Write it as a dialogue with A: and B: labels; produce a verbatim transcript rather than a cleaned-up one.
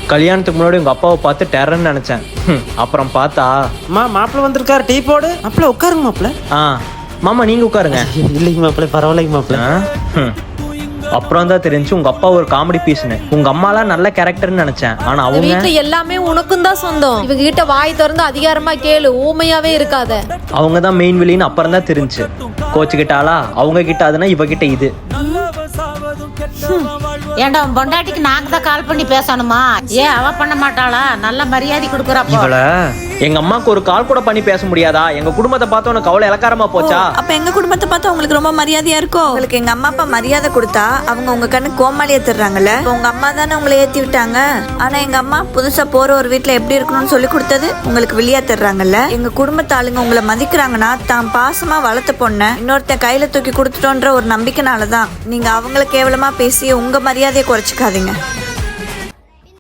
A: கல்யாணத்துக்கு முன்னாடி உங்க அப்பாவை பார்த்து டெரர்ன்னு நினைச்சேன். அப்புறம் பார்த்தா
B: அம்மா மாப்பிள்ள வந்திருக்காரு, டீ போடு. மாப்பிள்ள உட்காருங்க மாப்பிள்ள.
A: ஆ மாமா நீங்க உட்காருங்க.
B: இல்லைங்க மாப்பிள்ள, பரவாயில்லைங்க மாப்பிள்ள.
A: அப்புறம் தான் தெரிஞ்சு உங்க அப்பா ஒரு காமெடி பீஸ்னு. உங்க அம்மாலாம் நல்ல கேரக்டர்னு நினைச்சேன். ஆனா அவங்க
C: வீட்டுல எல்லாமே உனக்கும் தான் சொந்தம். இவங்க கிட்ட வாய் திறந்து அதிகாரமா கேளு, ஊமையாவே இருக்காத.
A: அவங்க தான் மெயின் வில்லின்னு அப்புறம் தான் தெரிஞ்சு. கோச்சுக்கிட்டாளா அவங்க கிட்ட அதுனா இவ கிட்ட இது.
D: ஏண்டா பொண்டாட்டிக்கு நாங்க தான் கால் பண்ணி பேசணுமா? ஏன் அவ பண்ண மாட்டாளா? நல்ல மரியாதை கொடுக்குறாப்போ.
A: இவள எங்க அம்மாக்கு ஒரு கால் கூட பண்ணி பேச முடியாதா? எங்க குடும்பத்தை பார்த்து உனக்கு அவ்வளவு இலக்காரமா போச்சா?
E: அப்ப எங்க குடும்பத்தை பார்த்தா உங்களுக்கு ரொம்ப மரியாதையா இருக்கும். உங்களுக்கு எங்க அம்மா அப்பா மரியாதை கொடுத்தா அவங்க உங்க கண்ணு கோமாளி ஏத்துறாங்கல்ல. உங்க அம்மா தானே உங்களை ஏத்தி விட்டாங்க. ஆனா எங்க அம்மா புதுசா போற ஒரு வீட்டுல எப்படி இருக்கணும்னு சொல்லி கொடுத்தது உங்களுக்கு வெளியா தர்றாங்கல்ல. எங்க குடும்பத்து ஆளுங்க உங்களை மதிக்கிறாங்கன்னா தான் பாசமா வளர்த்த பொண்ண இன்னொருத்த கையில தூக்கி கொடுத்துட்டோன்ற ஒரு நம்பிக்கைனாலதான். நீங்க அவங்கள கேவலமா பேசி உங்க மரியாதையை குறைச்சிக்காதீங்க.